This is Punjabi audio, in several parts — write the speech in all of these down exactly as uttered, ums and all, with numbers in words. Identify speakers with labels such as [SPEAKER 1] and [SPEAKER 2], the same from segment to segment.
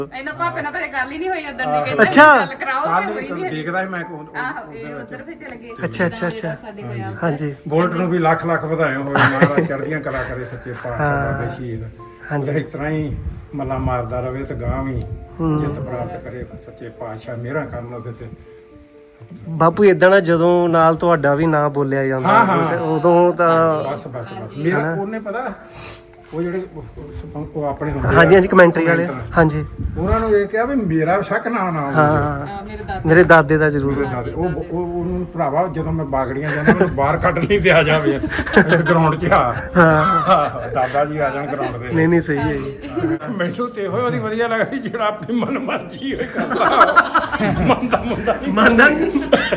[SPEAKER 1] ਇਹਨਾਂ ਭਾਪੇ ਨਾਲ ਤਾਂ ਗੱਲ ਹੀ ਨਹੀਂ ਹੋਈ ਉਦੋਂ ਦੀ ਕਹਿੰਦੇ
[SPEAKER 2] ਅੱਛਾ।
[SPEAKER 1] ਗੱਲ ਕਰਾਓ ਤੇ ਹੋਈ ਨਹੀਂ
[SPEAKER 3] ਦੇਖਦਾ ਸੀ ਮੈਂ ਕੋ
[SPEAKER 1] ਆਹੋ ਇਹ ਉਧਰ ਫੇ ਚਲੇ ਗਏ
[SPEAKER 2] ਅੱਛਾ ਅੱਛਾ ਅੱਛਾ
[SPEAKER 1] ਸਾਡੇ ਕੋਲ ਆ
[SPEAKER 2] ਹਾਂਜੀ
[SPEAKER 3] ਬੋਲਟ ਨੂੰ ਵੀ ਲੱਖ ਲੱਖ ਵਧਾਏ ਹੋਏ ਮਹਾਰਾਜ ਚੜ੍ਹਦੀਆਂ ਕਲਾ ਕਰੇ ਸੱਚੇ ਪਾਤਸ਼ਾਹ ਬਾਬੇ ਸ਼ਹੀਦ
[SPEAKER 2] ਹਾਂਜੀ।
[SPEAKER 3] ਇਸ ਤਰ੍ਹਾਂ ਹੀ ਮੱਲਾ ਮਾਰਦਾ ਰਵੇ ਤੇ ਗਾਂ ਵੀ ਜਿੱਤ ਪ੍ਰਾਪਤ ਕਰੇ ਸੱਚੇ ਪਾਤਸ਼ਾਹ ਮਿਹਰਾਂ ਕਰਨ ਉਹਦੇ ਤੇ।
[SPEAKER 2] ਬਾਪੂ ਇਦਾਂ ਨਾ ਜਦੋਂ ਨਾਲ ਤੁਹਾਡਾ ਵੀ ਨਾਂ ਬੋਲਿਆ ਜਾਂਦਾ
[SPEAKER 3] ਹਾਂ, ਹਾਂ।
[SPEAKER 2] ਤੇ ਉਦੋਂ ਤਾਂ
[SPEAKER 3] ਬਸ ਬਸ ਬਸ ਮੇਰਾ ਉਹਨੇ ਪਤਾ ਉਹ ਜਿਹੜੇ ਉਹ- ਉਹ ਆਪਣੇ ਹੁੰਦੇ
[SPEAKER 2] ਹਾਂਜੀ
[SPEAKER 3] ਆ,
[SPEAKER 2] ਹਾਂਜੀ ਕਮੈਂਟਰੀ ਵਾਲੇ
[SPEAKER 3] commenter,
[SPEAKER 2] ਹਾਂਜੀ
[SPEAKER 3] ਉਹਨਾਂ ਨੂੰ ਇਹ ਕਿਹਾ ਵੀ ਮੇਰਾ ਸ਼ੱਕ ਨਾ ਨਾ ਹੋਵੇ।
[SPEAKER 2] ਹਾਂ
[SPEAKER 1] ਮੇਰੇ ਦਾਦਾ
[SPEAKER 2] ਮੇਰੇ ਦਾਦੇ ਦਾ ਜ਼ਰੂਰ
[SPEAKER 3] ਮੇਰੇ ਦਾਦੇ ਉਹ ਉਹ ਉਹਨੂੰ ਭਰਾਵਾ ਜਦੋਂ ਮੈਂ ਬਾਗੜੀਆਂ ਜਾਂਦਾ ਮੈਨੂੰ ਬਾਹਰ ਕੱਢ ਨਹੀਂ ਦਿਆ ਜਾਵੇ ਗਰਾਊਂਡ 'ਚ ਆ
[SPEAKER 2] ਹਾਂ
[SPEAKER 3] ਦਾਦਾ ਜੀ ਆ ਜਾਣ ਗਰਾਊਂਡ ਦੇ
[SPEAKER 2] ਨਹੀਂ ਨਹੀਂ ਸਹੀ ਹੈ ਜੀ
[SPEAKER 3] ਮੈਨੂੰ ਤੇ ਇਹੋ ਉਹਦੀ ਵਧੀਆ ਲੱਗਦੀ ਜਿਹੜਾ ਆਪਣੀ ਮਨ ਮਰਜ਼ੀ ਹੋਏ ਕਰਦਾ ਮੰਨਦਾ ਮੁੰਡਾ ਨਹੀਂ
[SPEAKER 2] ਮੰਨਦਾ ਨਹੀਂ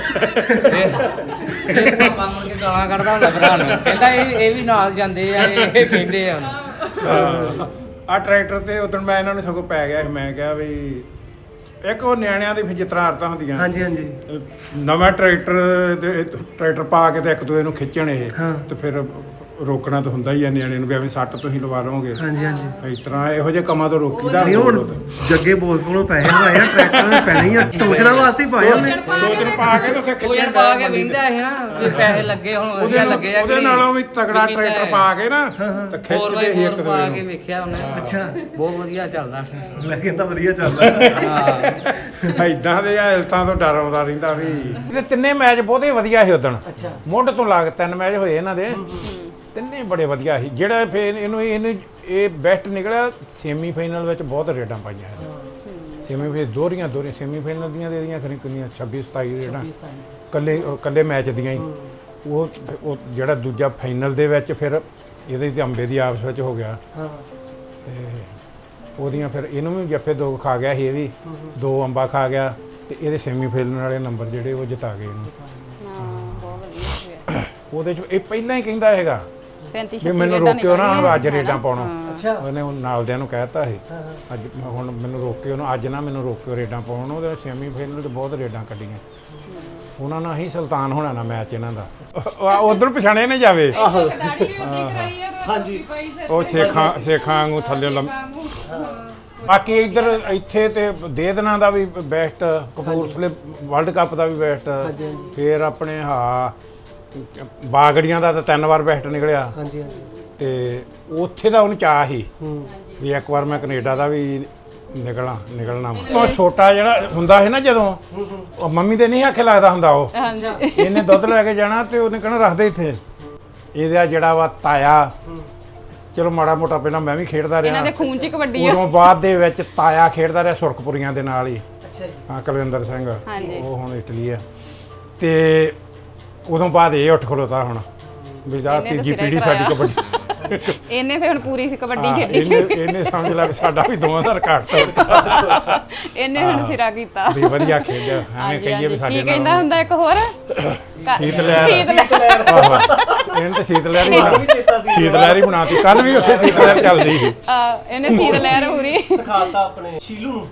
[SPEAKER 4] ਫਿਰ ਪਾਪਾ ਮੁੜ ਕੇ ਗਾਲਾਂ ਕੱਢਦਾ ਹੁੰਦਾ ਭਰਾ ਨੂੰ ਕਹਿੰਦਾ ਇਹ ਇਹ ਵੀ ਨਾਲ ਜਾਂਦੇ ਆ ਇਹ ਇਹ ਕਹਿੰਦੇ ਆ
[SPEAKER 3] ਆ ਟਰੈਕਟਰ ਤੇ ਉਦੋਂ ਮੈਂ ਇਹਨਾਂ ਨੂੰ ਸਗੋਂ ਪੈ ਗਿਆ ਸੀ। ਮੈਂ ਕਿਹਾ ਵੀ ਇੱਕ ਉਹ ਨਿਆਣਿਆਂ ਦੀ ਫਿਰ ਜਿਤਨਾ ਆਰਤਾਂ ਹੁੰਦੀਆਂ
[SPEAKER 2] ਹਾਂਜੀ ਹਾਂਜੀ
[SPEAKER 3] ਨਵਾਂ ਟਰੈਕਟਰ ਤੇ ਟਰੈਕਟਰ ਪਾ ਕੇ ਤੇ ਇੱਕ ਦੂਏ ਨੂੰ ਖਿੱਚਣ ਇਹ
[SPEAKER 2] ਹਾਂ।
[SPEAKER 3] ਤੇ ਫਿਰ ਰੋਕਣਾ ਤਾਂ ਹੁੰਦਾ ਹੀ ਆ ਨਿਆਣੇ ਨੂੰ ਵੀ ਐਵੇਂ ਸੱਟ ਤੁਸੀਂ ਲਵਾ ਲਓਗੇ
[SPEAKER 2] ਹਾਂਜੀ ਹਾਂਜੀ
[SPEAKER 3] ਇਸ ਤਰ੍ਹਾਂ ਇਹੋ ਜਿਹੇ ਕੰਮਾਂ ਤੋਂ ਰੋਕੀਦਾ
[SPEAKER 2] ਨਹੀਂ ਹੁਣ ਜੱਗੇ ਬੋਸ ਕੋਲੋਂ ਪੈਸੇ ਲਵਾਏ ਆ ਟਰੈਕਟਰ ਦੇ ਪੈਣੇ ਹੀ ਆ ਟੋਚਣਾ ਵਾਸਤੇ ਹੀ ਪਾਏ ਉਹਨੇ
[SPEAKER 3] ਦੋ ਦਿਨ ਪਾ ਕੇ ਤੇ ਉੱਥੇ
[SPEAKER 4] ਉਹ ਜਣ
[SPEAKER 3] ਖਿੱਚਣ
[SPEAKER 4] ਪਾ ਕੇ ਵਿੰਦਾ ਹੈ ਨਾ ਵੀ ਪੈਸੇ ਲੱਗੇ ਹੁਣ
[SPEAKER 3] ਉਹਦੇ
[SPEAKER 4] ਵਧੀਆ ਲੱਗੇ ਆ
[SPEAKER 3] ਉਹਦੇ ਨਾਲੋਂ ਵੀ ਤਗੜਾ ਟਰੈਕਟਰ ਪਾ ਕੇ ਨਾ ਤੇ
[SPEAKER 4] ਹੋਰ
[SPEAKER 3] ਖਿੱਚਦੇ ਸੀ ਇੱਕ
[SPEAKER 4] ਪਾ
[SPEAKER 3] ਦੂਏ
[SPEAKER 4] ਕੇ
[SPEAKER 3] ਨੂੰ
[SPEAKER 4] ਵੇਖਿਆ ਉਹਨੇ
[SPEAKER 2] ਅੱਛਾ
[SPEAKER 4] ਬਹੁਤ ਵਧੀਆ ਚੱਲਦਾ ਸੀ
[SPEAKER 2] ਲੈ ਕਹਿੰਦਾ ਵਧੀਆ ਚੱਲਦਾ
[SPEAKER 4] ਹਾਂ
[SPEAKER 3] ਇਦਾਂ ਦੇ ਹਾਲਤਾਂ ਤੋਂ ਡਰ ਆਉਂਦਾ ਰਹਿੰਦਾ ਵੀ ਇਹਦੇ ਤਿੰਨੇ ਮੈਚ ਬਹੁਤੇ ਵਧੀਆ ਸੀ ਉਦਣ
[SPEAKER 2] ਅੱਛਾ
[SPEAKER 3] ਮੁੱਢ ਤੋਂ ਲਾ ਕੇ ਤਿੰਨ ਮੈਚ ਹੋਏ ਇਹਨਾਂ ਦੇ ਤਿੰਨੇ ਬੜੇ ਵਧੀਆ ਸੀ ਜਿਹੜਾ ਫੇਰ ਇਹਨੂੰ ਇਹਨੂੰ ਇਹ ਬੈਸਟ ਨਿਕਲਿਆ ਸੈਮੀ ਫਾਈਨਲ ਵਿੱਚ ਬਹੁਤ ਰੇਡਾਂ ਪਾਈਆਂ ਸੈਮੀ ਫੇਰ ਦੋਹਰੀਆਂ ਦੋਹਰੀਆਂ ਸੈਮੀ ਫਾਈਨਲ ਦੀਆਂ ਦੇ ਦੀਆਂ ਖਰੀ ਕਿੰਨੀਆਂ ਛੱਬੀ ਸਤਾਈ ਰੇਡਾਂ ਕੱਲੇ ਕੱਲੇ ਮੈਚ ਦੀਆਂ ਹੀ ਉਹ ਉਹ ਜਿਹੜਾ ਦੂਜਾ ਫਾਈਨਲ ਦੇ ਵਿੱਚ ਫਿਰ ਇਹਦੇ ਤੇ ਅੰਬੇ ਦੀ ਆਪਸ ਵਿੱਚ ਹੋ ਗਿਆ
[SPEAKER 2] ਹਾਂ
[SPEAKER 3] ਤੇ ਉਹਦੀਆਂ ਫਿਰ ਇਹਨੂੰ ਵੀ ਜੱਫੇ ਦੋ ਖਾ ਗਿਆ ਸੀ ਇਹ ਵੀ ਦੋ ਅੰਬਾ ਖਾ ਗਿਆ ਤੇ ਇਹਦੇ ਸੈਮੀ ਫਾਈਨਲ ਵਾਲੇ ਨੰਬਰ ਜਿਹੜੇ ਉਹ ਜਿਤਾ ਗਏ ਇਹਨੂੰ
[SPEAKER 1] ਹਾਂ ਬਹੁਤ ਵਧੀਆ ਹੋਇਆ
[SPEAKER 3] ਉਹਦੇ ਚ ਇਹ ਪਹਿਲਾਂ ਹੀ ਕਹਿੰਦਾ ਹੈਗਾ
[SPEAKER 1] ਪੈਂਤੀ
[SPEAKER 3] ਵੀ ਮੈਨੂੰ ਰੋਕਿਓ ਨਾ ਹੁਣ ਅੱਜ ਰੇਡਾਂ ਪਾਉਣਾ
[SPEAKER 2] ਅੱਛਾ
[SPEAKER 3] ਉਹਨੇ ਉਹ ਨਾਲਦਿਆਂ ਨੂੰ ਕਹਿਤਾ ਸੀ ਅੱਜ ਹੁਣ ਮੈਨੂੰ ਰੋਕਿਓ ਨਾ ਅੱਜ ਨਾ ਮੈਨੂੰ ਰੋਕਿਓ ਰੇਡਾਂ ਪਾਉਣ ਉਹਦੇ ਸੈਮੀ ਫਾਈਨਲ 'ਚ ਬਹੁਤ ਰੇਡਾਂ ਕੱਢੀਆਂ ਉਹਨਾਂ ਨਾਲ ਹੀ ਸੁਲਤਾਨ ਹੋਣਾ ਨਾ ਮੈਚ ਇਹਨਾਂ ਦਾ ਉਧਰ ਪਛਾਣੇ ਨੇ ਜਾਵੇ
[SPEAKER 2] ਆਹੋ
[SPEAKER 1] ਦਾੜੀ ਵੀ ਉਹਦੀ ਕਰਾਈ ਆ
[SPEAKER 2] ਹਾਂਜੀ
[SPEAKER 3] ਉਹ ਸੇਖਾਂ ਸੇਖਾਂ ਵਾਂਗੂ ਥੱਲੇ ਲੰਮ ਬਾਕੀ ਇੱਧਰ ਇੱਥੇ ਤੇ ਦੇ ਦਿਨਾਂ ਦਾ ਵੀ ਬੈਸਟ ਕਪੂਰਥਲੇ ਵਰਲਡ ਕੱਪ ਦਾ ਵੀ ਬੈਸਟ ਫਿਰ ਆਪਣੇ ਹਾਂ ਬਾਗੜੀਆਂ ਦਾ ਤਾਂ ਤਿੰਨ ਵਾਰ ਬੈਸਟ ਨਿਕਲਿਆ
[SPEAKER 2] ਹਾਂਜੀ ਹਾਂਜੀ
[SPEAKER 3] ਤੇ ਉੱਥੇ ਦਾ ਉਹਨੂੰ ਚਾਹ ਸੀ
[SPEAKER 2] ਹੂੰ
[SPEAKER 3] ਵੀ ਇੱਕ ਵਾਰ ਮੈਂ ਕੈਨੇਡਾ ਦਾ ਵੀ ਨਿਕਲਣਾ ਨਿਕਲਣਾ ਉਹ ਛੋਟਾ ਜਿਹੜਾ ਹੁੰਦਾ ਸੀ ਨਾ ਜਦੋਂ ਉਹ ਮੰਮੀ ਦੇ ਨਹੀਂ ਆਖੇ ਲੱਗਦਾ ਹੁੰਦਾ ਉਹ
[SPEAKER 1] ਹਾਂਜੀ
[SPEAKER 3] ਇਹਨੇ ਦੁੱਧ ਲੈ ਕੇ ਜਾਣਾ ਤੇ ਉਹਨੇ ਕਹਿਣਾ ਰੱਖ ਦੇ ਇੱਥੇ ਇਹਦਾ ਜਿਹੜਾ ਵਾ ਤਾਇਆ ਚਲੋ ਮਾੜਾ ਮੋਟਾ ਪਹਿਲਾਂ ਮੈਂ ਵੀ ਖੇਡਦਾ ਰਿਹਾ
[SPEAKER 1] ਇਹਨਾਂ ਦੇ ਖੂਨ 'ਚ ਕਬੱਡੀ ਆ
[SPEAKER 3] ਉਦੋਂ ਬਾਅਦ ਦੇ ਵਿੱਚ ਤਾਇਆ ਖੇਡਦਾ ਰਿਹਾ ਸੁਰਖਪੁਰੀਆਂ ਦੇ ਨਾਲ ਹੀ
[SPEAKER 2] ਅੱਛਾ ਜੀ
[SPEAKER 3] ਹਾਂ ਕੁਲਵਿੰਦਰ ਸਿੰਘ
[SPEAKER 1] ਹਾਂਜੀ।
[SPEAKER 3] ਉਹ ਹੁਣ ਇਟਲੀ ਆ ਤੇ ਉਦੋਂ ਬਾਅਦ ਇਹ ਉੱਠ ਖਲੋਤਾ ਹੁਣ ਵੀ ਜਾ
[SPEAKER 1] ਇਹਨੇ ਤਾਂ
[SPEAKER 3] ਤੀਜੀ
[SPEAKER 1] ਸਿਰਾ ਹੀ
[SPEAKER 3] ਪੀੜ੍ਹੀ ਸਾਡੀ
[SPEAKER 1] ਕਰਾਇਆ।
[SPEAKER 3] ਕਬੱਡੀ
[SPEAKER 1] ਇਹਨੇ ਫਿਰ ਹੁਣ ਪੂਰੀ ਸੀ ਕਬੱਡੀ
[SPEAKER 3] ਹਾਂ,
[SPEAKER 1] ਖੇਡੀ
[SPEAKER 3] ਇਹਨੇ ਇਹਨੇ ਸਮਝ ਲਿਆ ਵੀ ਸਾਡਾ ਵੀ ਦੋਵਾਂ ਦਾ ਰਿਕਾਰਡ ਤੋੜਤਾ
[SPEAKER 1] ਇਹਨੇ ਹੁਣ ਸਿਰਾ ਕੀਤਾ
[SPEAKER 3] ਵੀ ਵਧੀਆ ਖੇਡਿਆ ਐਵੇਂ
[SPEAKER 1] ਹਾਂਜੀ,
[SPEAKER 3] ਕਹੀਏ ਵੀ
[SPEAKER 1] ਹਾਂਜੀ।
[SPEAKER 3] ਸਾਡੇ
[SPEAKER 1] ਕੀ ਕਹਿੰਦਾ ਹੁੰਦਾ ਇੱਕ ਹੋਰ
[SPEAKER 3] ਸੀਤ ਲਹਿਰ।
[SPEAKER 1] ਸੀਤ ਲਹਿਰ।
[SPEAKER 3] ਆਹੋ ਇਹਨੇ ਤਾਂ ਸੀਤ ਲਹਿਰ ਹੀ ਬਣਾ ਸੀਤ ਲਹਿਰ ਹੀ ਬਣਾਤੀ ਕੱਲ ਵੀ ਉੱਥੇ ਸੀਤ ਲਹਿਰ ਚੱਲਦੀ ਸੀ
[SPEAKER 1] ਆ, ਇਹਨੇ ਸੀਤ ਲਹਿਰ ਪੂਰੀ
[SPEAKER 2] ਸਿਖਾਤਾ ਆਪਣੇ ਸ਼ੀਲੂ ਨੂੰ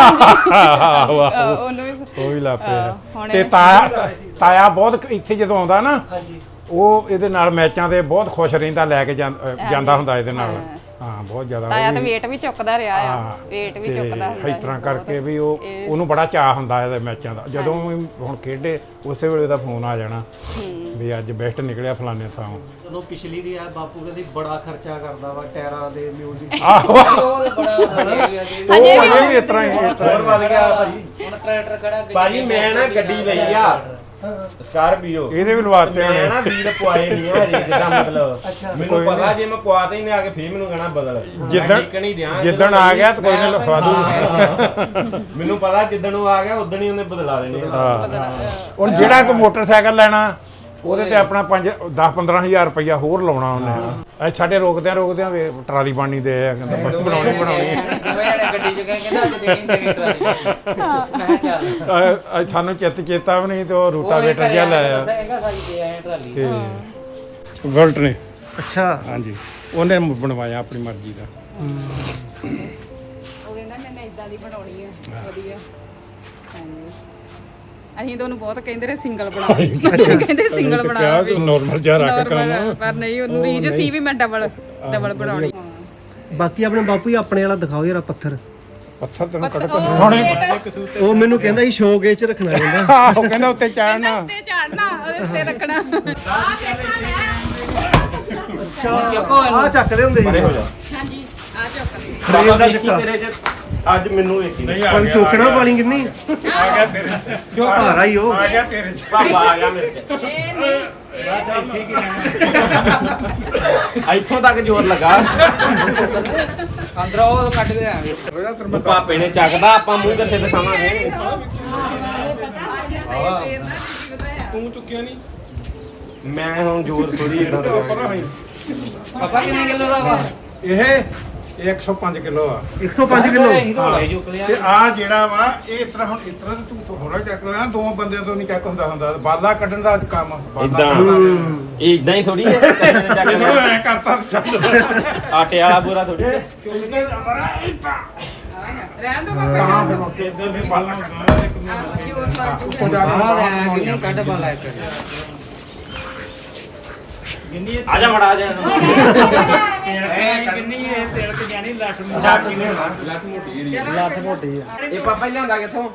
[SPEAKER 3] ਆਹੋ
[SPEAKER 1] ਆ,
[SPEAKER 3] ਆਹੋ
[SPEAKER 1] ਉਹਨੂੰ ਵੀ
[SPEAKER 3] ਉਹ ਵੀ ਲਾ
[SPEAKER 1] ਆਹ,
[SPEAKER 3] ਪਿਆ
[SPEAKER 1] ਹੁਣ
[SPEAKER 3] ਤੇ
[SPEAKER 1] ਇਹ-
[SPEAKER 3] ਤਾਇਆ ਤਾਇਆ ਬਹੁਤ ਇੱਥੇ ਜਦੋਂ ਆਉਂਦਾ ਨਾ
[SPEAKER 2] ਹਾਂਜੀ
[SPEAKER 3] ਉਹ ਇਹਦੇ ਨਾਲ ਮੈਚਾਂ ਤੇ ਬਹੁਤ ਖੁਸ਼ ਰਹਿੰਦਾ ਲੈ ਕੇ ਜਾਂ- ਅ, ਜਾਂਦਾ ਹੁੰਦਾ ਇਹਦੇ ਨਾਲ ਹਾਂ ਬਹੁਤ ਜ਼ਿਆਦਾ
[SPEAKER 1] ਤਾਇਆ
[SPEAKER 3] ਉਹ
[SPEAKER 1] ਤਾਂ
[SPEAKER 3] ਵੀ-
[SPEAKER 1] ਵੇਟ ਵੀ ਚੁੱਕਦਾ ਰਿਹਾ ਆ
[SPEAKER 3] ਹਾਂ,
[SPEAKER 1] ਵੇਟ ਵੀ
[SPEAKER 3] ਤੇ
[SPEAKER 1] ਚੁੱਕਦਾ ਹੁੰਦਾ
[SPEAKER 3] ਇਸ ਤਰ੍ਹਾਂ
[SPEAKER 1] ਸੀ
[SPEAKER 3] ਕਰਕੇ
[SPEAKER 1] ਬਹੁਤ।
[SPEAKER 3] ਵੀ ਉਹ
[SPEAKER 1] ਇਹ-
[SPEAKER 3] ਉਹਨੂੰ ਬੜਾ ਚਾਹ ਹੁੰਦਾ ਇਹਦੇ ਮੈਚਾਂ ਦਾ ਜਦੋਂ ਵੀ ਹੁਣ ਖੇਡੇ ਉਸੇ ਵੇਲੇ ਦਾ ਫੋਨ ਆ ਜਾਣਾ ਵੀ ਅੱਜ ਬੈਸਟ ਨਿਕਲਿਆ ਫਲਾਣੇ ਥਾਂ
[SPEAKER 2] ਜਦੋਂ ਪਿਛਲੀ ਦੀ ਆ ਬਾਪੂ ਕਹਿੰਦੇ ਬੜਾ ਖਰਚਾ ਕਰਦਾ ਵਾ ਟਾਇਰਾਂ ਦੇ ਮਿਊਜ਼ਿਕ
[SPEAKER 3] ਆਹੋ
[SPEAKER 4] ਉਹ ਤਾਂ ਬੜਾ ਵਧੀਆ ਗਿਆ ਜੀ
[SPEAKER 3] ਉਹ ਅਜੇ ਵੀ ਇਸ ਤਰ੍ਹਾਂ ਹੀ ਇਸ ਤਰ੍ਹਾਂ ਹੀ।
[SPEAKER 5] ਵੱਧ ਗਿਆ ਭਾਜੀ
[SPEAKER 4] ਹੁਣ ਟਰੈਕਟਰ ਕਿਹੜਾ ਗੱਡੀ
[SPEAKER 5] ਭਾਜੀ ਮੈਂ ਨਾ ਗੱਡੀ ਲਈ ਆ ਸਕਾਰਪੀਓ
[SPEAKER 3] ਇਹਦੇ ਵੀ ਲਵਾਤੇ
[SPEAKER 5] ਮੈਂ
[SPEAKER 3] ਹੋਣੇ
[SPEAKER 5] ਨਾ ਵੀਲ ਪਵਾਏ ਨਹੀਂ ਆ ਹਜੇ ਜਿੱਦਾਂ ਮਤਲਬ
[SPEAKER 2] ਅੱਛਾ।
[SPEAKER 5] ਮੈਨੂੰ
[SPEAKER 3] ਕੋਈ
[SPEAKER 5] ਪਤਾ ਜੇ ਮੈਂ ਪਵਾਤੇ ਹੀ ਨਹੀਂ ਆ ਕੇ ਫੇਰ ਮੈਨੂੰ ਕਹਿਣਾ ਬਦਲ
[SPEAKER 3] ਜਿੱਦਣ
[SPEAKER 5] ਨਹੀਂ ਦਿਆਂ
[SPEAKER 3] ਜਿੱਦਣ ਆ ਗਿਆ ਤਾਂ ਕੋਈ ਨਾ ਲਿਖਵਾ ਦੂ
[SPEAKER 5] ਮੈਨੂੰ ਪਤਾ ਜਿੱਦਣ ਉਹ ਆ ਗਿਆ ਉਦਣ ਹੀ ਉਹਨੇ ਬਦਲਾ ਦੇਣੇ ਆ।
[SPEAKER 3] ਹੁਣ ਜਿਹੜਾ ਕੋਈ ਮੋਟਰਸਾਈਕਲ ਲੈਣਾ ਉਹਦੇ ਤੇ ਆਪਣਾ ਪੰਜ ਦਸ ਪੰਦਰਾਂ ਹਜ਼ਾਰ ਰੁਪਇਆ ਹੋਰ ਲਾਉਣਾ ਉਹਨੇ ਐ ਸਾਡੇ ਰੋਕਦਿਆਂ ਰੋਕਦਿਆਂ ਵੇ ਟਰਾਲੀ ਬਣਨੀ ਦੇ ਆ ਕਹਿੰਦਾ ਬਣਾਉਣੀ ਬਣਾਉਣੀ
[SPEAKER 4] ਮੈਂ ਗੱਡੀ ਚ ਕਹਿੰਦਾ ਅੱਜ ਦੇਣੀ ਦੇਣੀ ਟਰਾਲੀ ਮੈਂ ਕਿਹਾ ਚੱਲ
[SPEAKER 3] ਅ- ਅ- ਸਾਨੂੰ ਚਿੱਤ ਚੇਤਾ ਵੀ ਨਹੀਂ ਤੇ ਉਹ ਰੂਟਾਵੇਟਰ ਜਿਹਾ ਲੈ ਆ
[SPEAKER 4] ਦੱਸਿਆ ਸਾਈ ਤੇ ਆਏ ਟਰਾਲੀ
[SPEAKER 3] ਤੇ ਵਰਲਟ ਨੇ
[SPEAKER 2] ਅੱਛਾ
[SPEAKER 3] ਹਾਂਜੀ ਉਹਨੇ ਬਣਵਾਇਆ ਆਪਣੀ ਮਰਜ਼ੀ ਦਾ
[SPEAKER 1] ਉਹ ਕਹਿੰਦਾ ਮੈਨੇ ਇਦਾਂ ਦੀ ਬਣਾਉਣੀ ਆ ਵਧੀਆ ਹਾਂਜੀ ਅਸੀਂ ਤਾਂ ਉਹਨੂੰ ਬਹੁਤ ਕਹਿੰਦੇ ਰਹੇ ਸਿੰਗਲ ਬਣਾ ਕਹਿੰਦੇ ਸਿੰਗਲ ਬਣਾ ਵੀ
[SPEAKER 3] ਨਾਰਮਲ ਜਿਹਾ ਰੱਖ ਕੰਮ
[SPEAKER 1] Normal, ਪਰ ਨਹੀਂ ਉਹਨੂੰ ਰੀਜ ਸੀ ਵੀ ਮੈਂ ਡਬਲ ਡਬਲ ਬਣਾਉਣੀ
[SPEAKER 2] ਬਾਕੀ ਆਪਣੇ ਬਾਪੂ ਹੀ ਆਪਣੇ ਵਾਲਾ ਦਿਖਾਓ ਯਾਰ ਆਹ ਪੱਥਰ
[SPEAKER 3] ਪੱਥਰ ਤੈਨੂੰ ਕੱਢ
[SPEAKER 1] ਪੱਥਰ-
[SPEAKER 3] ਕੇ
[SPEAKER 1] ਉਹ
[SPEAKER 3] ਹੁਣੇ
[SPEAKER 1] ਪਲੇਟ
[SPEAKER 2] ਉਹ ਮੈਨੂੰ ਕਹਿੰਦਾ ਸੀ ਸ਼ੋਕੇਸ ਚ ਰੱਖਣਾ ਕਹਿੰਦਾ
[SPEAKER 3] ਆਹੋ ਕਹਿੰਦਾ ਉੱਤੇ ਚਾੜਨਾ
[SPEAKER 1] ਉੱਤੇ ਚਾੜਨਾ ਉਹਦੇ ਉੱਤੇ ਰੱਖਣਾ
[SPEAKER 4] ਚੱਕੋ
[SPEAKER 2] ਆ ਚੱਕਦੇ ਹੁੰਦੇ ਸੀ
[SPEAKER 1] ਹਾਂਜੀ ਆ ਚੁੱਕ
[SPEAKER 2] ਫਰੇਮ ਦਾ ਚੱਕਾ
[SPEAKER 5] ਤੇਰੇ ਚ ਅੱਜ ਮੈਨੂੰ ਵੇਖੀ ਨਹੀਂ
[SPEAKER 2] ਪਰ ਚੋਕਣਾ ਪਾਣੀ ਕਿੰਨੀ
[SPEAKER 3] ਆ ਗਿਆ ਤੇਰੇ ਚ
[SPEAKER 2] ਕਿਉਂ ਭਾਰਾ ਹੀ ਉਹ
[SPEAKER 3] ਆ ਗਿਆ ਤੇਰੇ ਚ
[SPEAKER 5] ਬਾਬਾ ਆ ਗਿਆ ਮੇਰੇ ਚ
[SPEAKER 1] ਇਹ ਨਹੀਂ
[SPEAKER 5] ਇੱਥੋਂ ਤੱਕ ਜ਼ੋਰ ਲੱਗਾ
[SPEAKER 4] ਅੰਦਰੋਂ ਉਹ ਕੱਢ ਕੇ ਆਵਾਂਗੇ
[SPEAKER 3] ਉਹਦਾ
[SPEAKER 5] ਪਾਪੇ ਨੇ ਚੱਕਦਾ ਆਪਾਂ ਮੂੰਹ ਕਿੱਥੇ ਦਿਖਾਵਾਂਗੇ
[SPEAKER 3] ਤੂੰ ਚੁੱਕਿਆ ਨਹੀਂ
[SPEAKER 5] ਮੈਂ ਹੁਣ ਜ਼ੋਰ ਥੋੜੀ ਇਦਾਂ ਦਾ
[SPEAKER 4] ਪਾਪਾ ਕਿੰਨੇ ਕਿਲੋ ਦਾ ਵਾ
[SPEAKER 3] ਇਹ ਇੱਕ ਸੌ ਪੰਜ ਕਿਲੋ ਆ
[SPEAKER 2] ਇੱਕ ਸੌ ਪੰਜ ਕਿਲੋ
[SPEAKER 4] ਅਸੀਂ ਤਾਂ ਹੁਣੇ ਚੁੱਕ ਲਿਆ
[SPEAKER 3] ਤੇ ਆ ਜਿਹੜਾ ਵਾ ਇਹ ਇਸ ਤਰ੍ਹਾਂ ਹੁਣ ਇਸ ਤਰ੍ਹਾਂ ਤੇ ਤੂੰ ਹੋਰਾ ਚੱਕ ਲੈਣਾ ਦੋ ਬੰਦਿਆਂ ਤੋਂ ਨਹੀਂ ਚੱਕ ਹੁੰਦਾ ਹੁੰਦਾ ਬਾਲਾ ਕੱਢਣ ਦਾ ਕੰਮ ਬਾਲਾ
[SPEAKER 5] ਇਦਾਂ
[SPEAKER 3] ਕੱਢਣ ਦਾ।
[SPEAKER 5] ਇਹ ਇਦਾਂ ਹੀ ਥੋੜੀ ਹੈ
[SPEAKER 3] ਇਹਨੂੰ ਐ ਕਰਤਾ ਚੱਲ
[SPEAKER 5] ਆਟੇ ਵਾਲਾ ਪੂਰਾ ਥੋੜੀ
[SPEAKER 3] ਚੁੱਕ ਕੇ ਅਮਰਾ ਇੱਥਾ
[SPEAKER 1] ਰਹਿਣ ਦੋ
[SPEAKER 3] ਤਾਂ
[SPEAKER 1] ਪਾਪਾ
[SPEAKER 3] ਫਿਰ ਮੁੱਕੇ ਇੱਧਰ ਵੀ ਬਾਲਾ ਹੁੰਦਾ ਇੱਕ
[SPEAKER 1] ਆਹ ਜੋਰ ਲਾ ਕੇ
[SPEAKER 3] ਉੱਪਰ ਜਾ ਕੇ
[SPEAKER 4] ਆਹ ਲੈ ਕਿੰਨੇ ਕੱਢ ਪਾ ਲੈ ਕੇ
[SPEAKER 5] ਆ ਜਾ ਮੜਾ ਆ ਜਾ
[SPEAKER 4] ਇਹ ਪਾਪਾ ਲਿਆਂਦਾ ਕਿੱਥੋਂ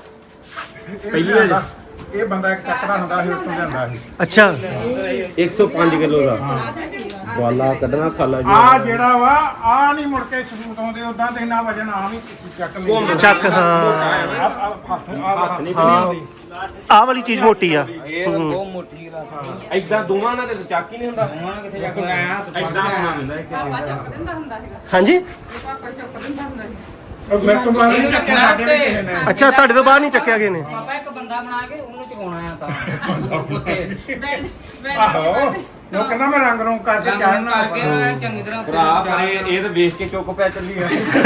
[SPEAKER 3] ਪਹਿਲੀ ਵਾਰ ਇਹ ਬੰਦਾ ਇੱਕ ਚੱਕਦਾ ਹੁੰਦਾ ਸੀ ਉੱਥੋਂ ਲਿਆਂਦਾ ਸੀ
[SPEAKER 2] ਅੱਛਾ
[SPEAKER 5] ਇੱਕ ਸੌ ਪੰਜ ਕਿਲੋ ਦਾ ਵਾਲਾ ਕੱਢਣਾ ਖਾਲਾ ਜੀ
[SPEAKER 3] ਆ ਜਿਹੜਾ ਵਾ ਆ ਨਹੀਂ ਮੁੜ ਕੇ ਸਬੂਤ ਆਉਂਦੇ ਉਦਾਂ ਤੇ ਇੰਨਾ ਵਜਨ ਆ ਵੀ ਚੱਕ ਲਈ
[SPEAKER 2] ਚੱਕ ਹਾਂ
[SPEAKER 3] ਹੱਥ ਹੱਥ ਨਹੀਂ
[SPEAKER 2] ਹਾਂ ਆਹ ਵਾਲੀ ਚੀਜ਼ ਮੋਟੀ ਆ
[SPEAKER 4] ਇਹ ਤਾਂ ਬਹੁਤ ਮੋਟੀ ਰਾਤ
[SPEAKER 5] ਇਦਾਂ ਦੋਵਾਂ ਨਾਲ ਤੇ ਚੱਕ ਹੀ ਨਹੀਂ ਹੁੰਦਾ
[SPEAKER 4] ਹੁਣ ਕਿੱਥੇ ਜਾ ਕੇ ਆਇਆ ਤੂੰ
[SPEAKER 5] ਇਦਾਂ ਹੋਣਾ ਹੁੰਦਾ ਇੱਕ
[SPEAKER 1] ਪਾਪਾ ਚੁੱਕ ਦਿੰਦਾ ਹੁੰਦਾ ਸੀਗਾ
[SPEAKER 2] ਹਾਂਜੀ
[SPEAKER 1] ਇਹ ਪਾਪਾ ਚੁੱਕ ਦਿੰਦਾ ਹੁੰਦਾ ਸੀ
[SPEAKER 3] ਮੇਰੇ ਤੋਂ ਬਾਹਰ ਨਹੀਂ ਚੱਕਿਆ ਸਾਡੇ ਵੀ ਕਿਸੇ ਨੇ
[SPEAKER 2] ਅੱਛਾ ਤੁਹਾਡੇ ਤੋਂ ਬਾਹਰ ਨਹੀਂ ਚੱਕਿਆ ਗਏ ਨੇ
[SPEAKER 4] ਪਾਪਾ ਇੱਕ ਬੰਦਾ ਬਣਾ ਕੇ ਉਹਨੂੰ ਚਕਾਉਣਾ ਆ ਤਾਂ ਉੱਤੇ
[SPEAKER 1] ਬੈਡ ਬੈਡ
[SPEAKER 3] ਆਹੋ ਉਹ ਕਹਿੰਦਾ ਮੈਂ ਰੰਗ ਰੋਂ ਕਰਕੇ ਚੜਨਾ
[SPEAKER 4] ਕਰਕੇ ਨਾ ਚੰਗੀ ਤਰ੍ਹਾਂ ਉੱਤੇ
[SPEAKER 5] ਭਰਾ ਪਰ ਇਹ ਇਹ ਤਾਂ ਵੇਖ ਕੇ ਚੁੱਕ ਪੈ ਚੱਲੀ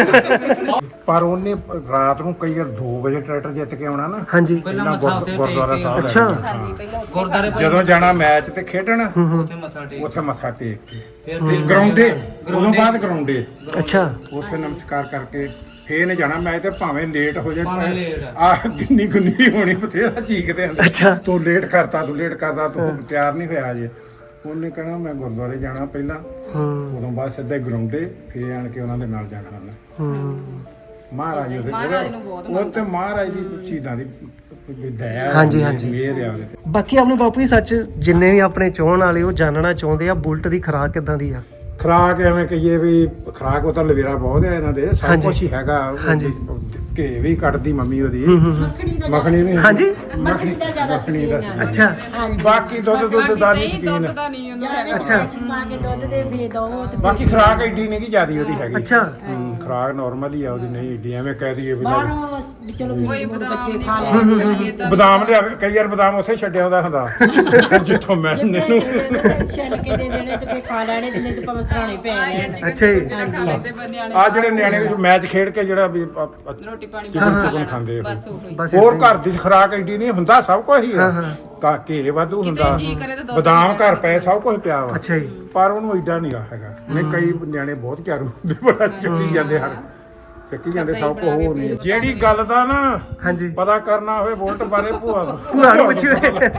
[SPEAKER 5] ਆ
[SPEAKER 3] ਪਰ ਉਹਨੇ ਰਾਤ ਨੂੰ ਕਈ ਵਾਰ ਦੋ ਵਜੇ ਟਰੈਕਟਰ ਜਿੱਤ ਕੇ ਆਉਣਾ ਨਾ
[SPEAKER 2] ਹਾਂਜੀ
[SPEAKER 4] ਪਹਿਲਾਂ
[SPEAKER 3] ਇਹਨਾਂ
[SPEAKER 4] ਮੱਥਾ ਉੱਤੇ
[SPEAKER 3] ਗੁਰਦੁਆਰਾ
[SPEAKER 4] ਟੇਕ
[SPEAKER 3] ਸਾਹਿਬ
[SPEAKER 2] ਅੱਛਾ।
[SPEAKER 3] ਲੈ ਜਾਣਾ।
[SPEAKER 4] ਗੁਰਦਾਰੇ
[SPEAKER 3] ਜਦੋਂ ਜਾਣਾ ਮੈਚ ਤੇ ਖੇਡਣ
[SPEAKER 4] ਉੱਥੇ ਮੱਥਾ ਟੇਕ
[SPEAKER 3] ਉੱਥੇ ਮੱਥਾ ਟੇਕ ਕੇ
[SPEAKER 4] ਫਿਰ ਫਿਰ
[SPEAKER 3] ਗਰਾਉਂਡੇ ਉਦੋਂ ਬਾਅਦ ਗਰਾਉਂਡੇ
[SPEAKER 2] ਅੱਛਾ
[SPEAKER 3] ਉੱਥੇ ਨਮਸਕਾਰ ਕਰਕੇ ਫੇਰ ਨੇ ਜਾਣਾ ਮੈਚ ਤੇ ਭਾਵੇਂ ਲੇਟ ਹੋ ਜਾਏ
[SPEAKER 4] ਭਾਵੇਂ late ਆ।
[SPEAKER 3] ਆ ਗਿੰਨੀ ਗੁੰਨੀ ਹੋਣੀ ਬਥੇਰਾ ਚੀਕਦੇ ਹੁੰਦੇ
[SPEAKER 2] ਅੱਛਾ।
[SPEAKER 3] ਤੂੰ ਲੇਟ ਕਰਤਾ ਤੂੰ ਲੇਟ ਕਰਦਾ ਤੂੰ ਤਿਆਰ ਨਹੀਂ ਹੋਇਆ ਅਜੇ ਉਹਨੇ ਕਹਿਣਾ ਮੈਂ ਗੁਰਦੁਆਰੇ ਜਾਣਾ ਪਹਿਲਾਂ
[SPEAKER 2] ਹੂੰ
[SPEAKER 3] ਉਦੋਂ ਬਾਅਦ ਸਿੱਧਾ ਗਰਾਉਂਡੇ ਫੇਰ ਆਣ ਕੇ ਉਹਨਾਂ ਦੇ ਨਾਲ ਜਾਣਾ ਉਹਨੇ
[SPEAKER 2] ਹੂੰ
[SPEAKER 3] ਮਹਾਰਾਜ ਉਹਦੇ
[SPEAKER 1] ਮਹਾਰਾਜ ਨੂੰ ਬਹੁਤ
[SPEAKER 3] ਉਹ ਤੇ ਮਹਾਰਾਜ ਦੀ ਚੀਜ਼ਾਂ ਦੀ ਦਇਆ
[SPEAKER 2] ਹਾਂਜੀ, ਹਾਂਜੀ।
[SPEAKER 3] ਮਿਹਰ ਆ ਉਹਦੇ ਤੇ
[SPEAKER 2] ਬਾਕੀ ਆਪਣੇ ਬਾਪੂ ਜੀ ਸੱਚ ਜਿੰਨੇ ਵੀ ਆਪਣੇ ਚਾਹਣ ਵਾਲੇ ਉਹ ਜਾਣਨਾ ਚਾਹੁੰਦੇ ਆ ਬੁਲਟ ਦੀ ਖੁਰਾਕ ਕਿਦਾਂ ਦੀ ਆ
[SPEAKER 3] ਖਰਾਕ ਐਵੇਂ ਕਹੀਏ ਵੀ ਖਰਾਕ ਉਹ ਤਾਂ ਲਵੇਰਾ ਬਹੁਤ ਹੈ ਇਹਨਾਂ ਦੇ ਸਭ
[SPEAKER 2] ਹਾਂਜੀ।
[SPEAKER 3] ਕੁਝ ਹੀ ਹੈਗਾ
[SPEAKER 2] ਹਾਂਜੀ।
[SPEAKER 3] ਘੇ ਵੀ ਕੱਢਦੀ ਮੰਮੀ ਉਹਦੀ
[SPEAKER 2] ਹੂੰ ਹੂੰ
[SPEAKER 3] ਮੱਖਣੀ ਵੀ
[SPEAKER 2] ਹਾਂਜੀ
[SPEAKER 3] ਮੱਖਣੀ ਮੱਖਣੀ ਦਾ ਸੀ।
[SPEAKER 2] ਅੱਛਾ
[SPEAKER 3] ਬਾਕੀ ਦੁੱਧ ਦੁੱਧ ਦਾ ਨਹੀਂ
[SPEAKER 1] ਨਹੀਂ ਦੁੱਧ
[SPEAKER 3] ਸ਼ਕੀਨ
[SPEAKER 1] ਦਾ ਨਹੀਂ ਉਹਨੂੰ ਹੈਗਾ।
[SPEAKER 2] ਅੱਛਾ
[SPEAKER 6] ਪਾ ਕੇ ਦੁੱਧ ਦੇ ਵੀ ਦੋ ਤੇ
[SPEAKER 3] ਬਾਕੀ ਖਰਾਕ ਐਡੀ ਨਹੀਂ ਕਿ ਜਿਆਦੀ ਉਹਦੀ ਹੈਗੀ
[SPEAKER 2] ਅੱਛਾ।
[SPEAKER 3] ਹੂੰ, ਖਰਾਕ ਨਾਰਮਲ ਹੀ ਆ ਉਹਦੀ ਨਹੀਂ ਏਡੀ ਐਵੇਂ ਕਹਿ ਦਈਏ ਵੀ ਲੈ-
[SPEAKER 6] ਬਾਹਰੋਂ ਵੀ ਚਲੋ
[SPEAKER 1] ਕੋਈ
[SPEAKER 6] ਵੀ
[SPEAKER 1] ਬਦਾਮ
[SPEAKER 6] ਬੱਚੇ
[SPEAKER 1] ਨਹੀਂ
[SPEAKER 6] ਖਾ
[SPEAKER 1] ਪਾਉਂਦੇ,
[SPEAKER 6] ਲੈਣਗੇ
[SPEAKER 1] ਇਹ ਤਾਂ
[SPEAKER 3] ਬਦਾਮ ਲਿਆਵੇ ਕਈ ਵਾਰ ਬਦਾਮ ਉੱਥੇ ਛੱਡਿਆ ਉਹਦਾ ਹੁੰਦਾ ਜਿੱਥੋਂ ਮੈਂ
[SPEAKER 6] ਜਿੰਨੇ ਛਿੱਲ ਕੇ ਦੇ ਦੇਣੇ ਤੇ ਫੇ ਖਾ ਲੈਣੇ ਤੇ ਨਹੀਂ ਤੇ ਭਾਵੇਂ ਸਰਾਣੇ ਪੈ ਜਾਣ
[SPEAKER 2] ਅੱਛਾ ਜੀ।
[SPEAKER 1] ਖਾ ਲੈਂਦੇ ਬ- ਨਿਆਣੇ
[SPEAKER 3] ਆ ਜਿਹੜੇ ਨਿਆਣੇ ਮੈਚ ਖੇਡ ਕੇ ਜਿਹੜਾ ਵੀ ਆ- ਆ-
[SPEAKER 1] ਰੋਟੀ ਪਾਣੀ
[SPEAKER 3] ਚਿਕਨ
[SPEAKER 1] ਖਾ
[SPEAKER 3] ਚੁਕਨ
[SPEAKER 1] ਲੈਣਾ।
[SPEAKER 3] ਖਾਂਦੇ ਆ
[SPEAKER 1] ਬਸ ਉਹੀ
[SPEAKER 2] ਬਸ
[SPEAKER 3] ਹੋਰ
[SPEAKER 2] ਏਦਾਂ
[SPEAKER 3] ਘਰ ਦੀ ਖਰਾਕ ਐਡੀ ਨਹੀਂ ਹੁੰਦਾ ਸਭ ਕੁਝ ਹੀ ਆ ਕਾ ਘੇ ਵਾਧੂ ਹੁੰਦਾ
[SPEAKER 1] ਜੀਅ ਕਰੇ ਤਾਂ ਦੁੱਧ
[SPEAKER 3] ਬਦਾਮ ਘਰ ਪਏ ਸਭ ਕੁਝ ਪਿਆ ਵਾ
[SPEAKER 2] ਅੱਛਾ ਜੀ
[SPEAKER 3] ਪਰ ਉਹਨੂੰ ਐਡਾ ਨਹੀਂ ਹੈਗਾ ਨਹੀਂ ਕਈ ਨਿਆਣੇ ਬਹੁਤ ਚਾਰੂ ਹੁੰਦੇ ਬੜਾ ਚੱਕੀ ਜਾਂਦੇ ਹਰ ਚੱਕੀ ਜਾਂਦੇ ਸਭ ਕੁਝ ਹੋਰ ਨਹੀਂ ਜਿਹੜੀ ਗੱਲ ਦਾ ਨਾ
[SPEAKER 2] ਹਾਂਜੀ
[SPEAKER 3] ਪਤਾ ਕਰਨਾ ਹੋਵੇ ਵੋਲਟ ਬਾਰੇ ਭੂਆ ਨੂੰ
[SPEAKER 2] ਭੂਆ ਨੂੰ ਪੁੱਛਿਓ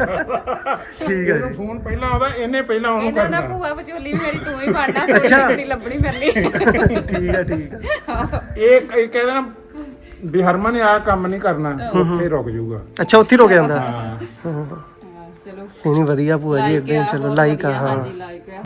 [SPEAKER 2] ਠੀਕ ਹੈ
[SPEAKER 3] ਇਹਨੂੰ
[SPEAKER 2] ਜੀ
[SPEAKER 3] ਫੋਨ ਪਹਿਲਾਂ ਆਉਂਦਾ ਇਹਨੇ ਪਹਿਲਾਂ ਉਹਨੂੰ
[SPEAKER 1] ਇਹਨਾਂ ਦਾ
[SPEAKER 3] ਕਰਨਾ
[SPEAKER 1] ਭੂਆ ਵਿਚੋਲੀ ਵੀ ਮੇਰੀ ਤੂੰ ਹੀ ਪੜਨਾ ਸੋਚ ਨਹੀਂ ਲੱਭਣੀ ਮੇਰੇ ਲਈ
[SPEAKER 2] ਠੀਕ ਹੈ ਠੀਕ ਹੈ
[SPEAKER 3] ਇਹ ਕਈ ਕਹਿੰਦੇ ਨਾ ਵੀ ਹਰਮਨ ਨੇ ਆਹ ਕੰਮ ਨਹੀਂ ਕਰਨਾ ਉੱਥੇ ਰੁਕ ਜਾਊਗਾ
[SPEAKER 2] ਅੱਛਾ ਉੱਥੇ ਹੀ ਰੁਕ ਜਾਂਦਾ
[SPEAKER 3] ਹਾਂ
[SPEAKER 2] ਹਾਂ
[SPEAKER 1] ਚਲੋ
[SPEAKER 2] ਨਹੀਂ ਨਹੀਂ ਵਧੀਆ ਭੂਆ ਜੀ ਇਦਾਂ ਹੀ ਚਲੋ ਲਾਈਕ ਆ ਹਾਂ
[SPEAKER 1] ਹਾਂਜੀ ਲਾਈਕ ਆ